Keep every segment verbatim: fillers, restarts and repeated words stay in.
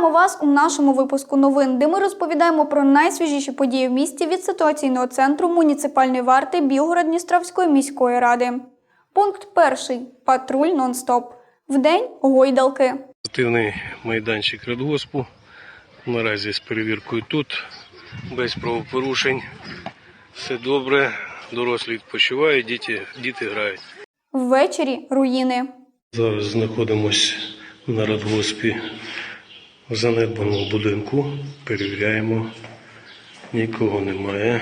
Вітаємо вас у нашому випуску новин, де ми розповідаємо про найсвіжіші події в місті від ситуаційного центру муніципальної варти Білгород-Дністровської міської ради. Пункт перший. Патруль нон-стоп. Вдень – гойдалки. Активний майданчик радгоспу. Наразі з перевіркою тут, без правопорушень. Все добре, дорослі відпочивають, діти, діти грають. Ввечері – руїни. Зараз знаходимося на радгоспі в занедбаному будинку. Перевіряємо, нікого немає.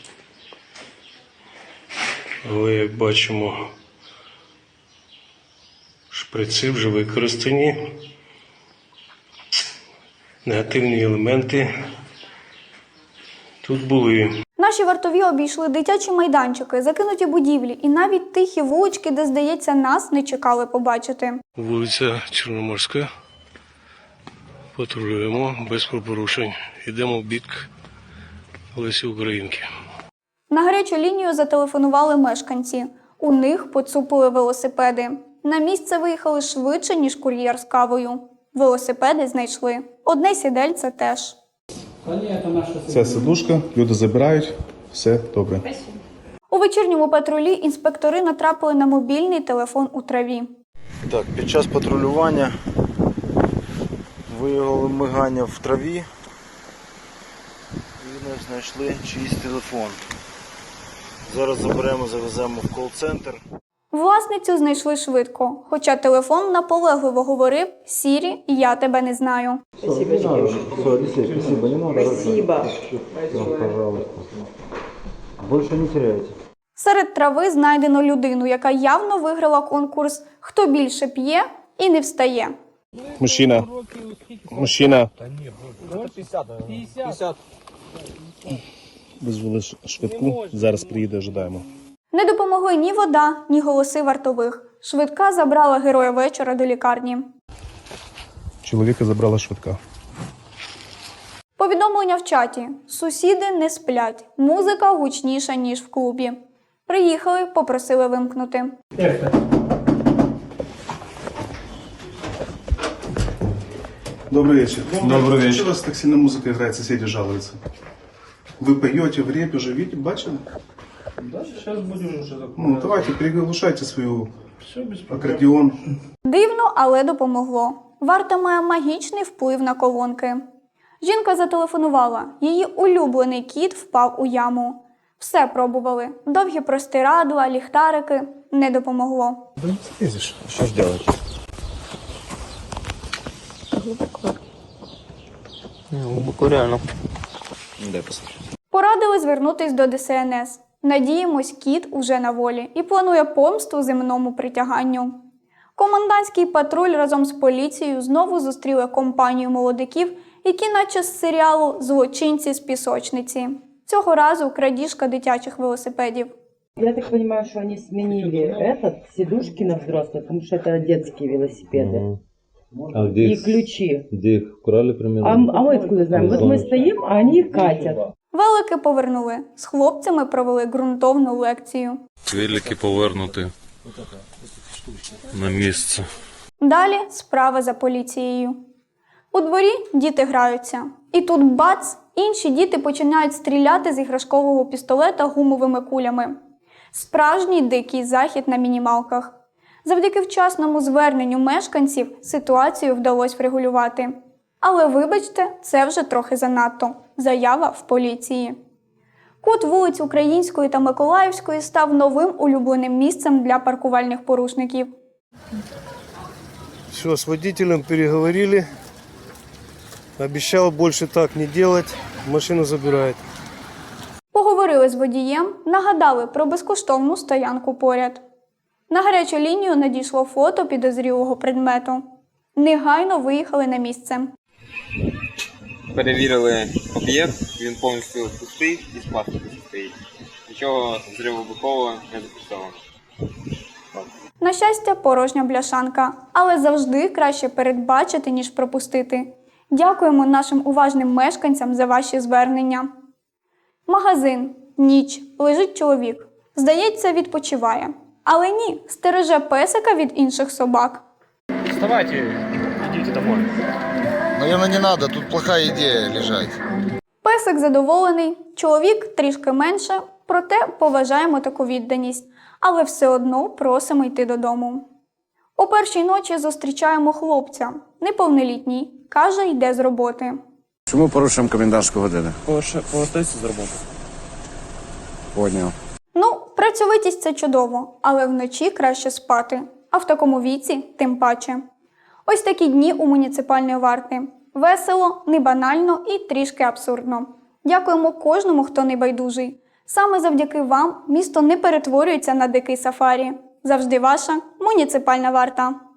Але, як бачимо, шприци вже використані. Негативні елементи тут були. Наші вартові обійшли дитячі майданчики, закинуті будівлі і навіть тихі вулички, де, здається, нас не чекали побачити. Вулиця Чорноморська. Патрулюємо без порушень. Йдемо в бік Лесі Українки. На гарячу лінію зателефонували мешканці. У них поцупили велосипеди. На місце виїхали швидше, ніж кур'єр з кавою. Велосипеди знайшли. Одне сідельце теж. Це сидушка, люди забирають, все добре. У вечірньому патрулі інспектори натрапили на мобільний телефон у траві. Так, під час патрулювання виявили мигання в траві і не знайшли чийсь телефон. Зараз заберемо, завеземо в кол-центр. Власницю знайшли швидко, хоча телефон наполегливо говорив «Сірі, я тебе не знаю». Спасибо, девушка. Спасибо, не надо. Спасибо. Пожалуйста. Больше не теряйте. Серед трави знайдено людину, яка явно виграла конкурс «Хто більше п'є і не встає». Мужчина. Мужчина. п'ятдесят. Визвали швидку, зараз приїде, ожидаємо. Не допомогли ні вода, ні голоси вартових. Швидка забрала героя вечора до лікарні. Чоловіка забрала швидка. Повідомлення в чаті. Сусіди не сплять. Музика гучніша, ніж в клубі. Приїхали, попросили вимкнути. Добрый вечер. Добрый вечер. Что у вас так сильно музыка играет, соседи жалуются? Вы поете в репе, уже видите, бачили? Да, сейчас будем уже закончить. Ну, давайте, переглушайте свою аккордеон. Дивно, але допомогло. Варта має магічний вплив на колонки. Жінка зателефонувала. Її улюблений кіт впав у яму. Все пробували. Довгі простирадла, ліхтарики. Не допомогло. Да не слезешь. Что ж делать? Глубоко реально. Дай посмотрю. Порадили звернутись до Де Ес Ен Ес. Надіємось, кіт уже на волі і планує помсту земному притяганню. Комендантський патруль разом з поліцією знову зустріли компанію молодиків, які наче з серіалу «Злочинці з пісочниці». Цього разу крадіжка дитячих велосипедів. Я так понимаю, что они сменили этот, сидушки на взрослых, потому что это детские велосипеды. А где И их, ключи. где их украли примерно? А, м- а мы откуда знаем? Вот мы стоим, а они их катят. Велики повернули. З хлопцями провели ґрунтовну лекцію. Велики повернути на місце. Далі справа за поліцією. У дворі діти граються. І тут бац, інші діти починають стріляти з іграшкового пістолета гумовими кулями. Справжній дикий захід на мінімалках. Завдяки вчасному зверненню мешканців ситуацію вдалося врегулювати. Але вибачте, це вже трохи занадто. Заява в поліції. Кут вулиць Української та Миколаївської став новим улюбленим місцем для паркувальних порушників. Все, с водителем переговорили. Обещал больше так не делать. Машину забирает. Поговорили з водієм, нагадали про безкоштовну стоянку поряд. На гарячу лінію надійшло фото підозрілого предмету. Негайно виїхали на місце. Перевірили об'єкт, він повністю пустий і з пластику стоїть. Нічого взривовибухового не зафіксовано. На щастя, порожня бляшанка, але завжди краще передбачити, ніж пропустити. Дякуємо нашим уважним мешканцям за ваші звернення. Магазин. Ніч. Лежить чоловік. Здається, відпочиває. Але ні, стереже песика від інших собак. Вставайте, идите домой. Наверное, не надо, тут плохая идея лежать. Песик задоволений, чоловік трішки менше, проте поважаємо таку відданість, але все одно просимо йти додому. О першій ночі зустрічаємо хлопця, неповнолітній, каже, йде з роботи. Чому порушуємо комендантську годину? Повертайся з роботи. Поняв. Ну, працьовитість – це чудово, але вночі краще спати, а в такому віці – тим паче. Ось такі дні у муніципальної варти. Весело, не банально і трішки абсурдно. Дякуємо кожному, хто не байдужий. Саме завдяки вам місто не перетворюється на дикий сафарі. Завжди ваша муніципальна варта.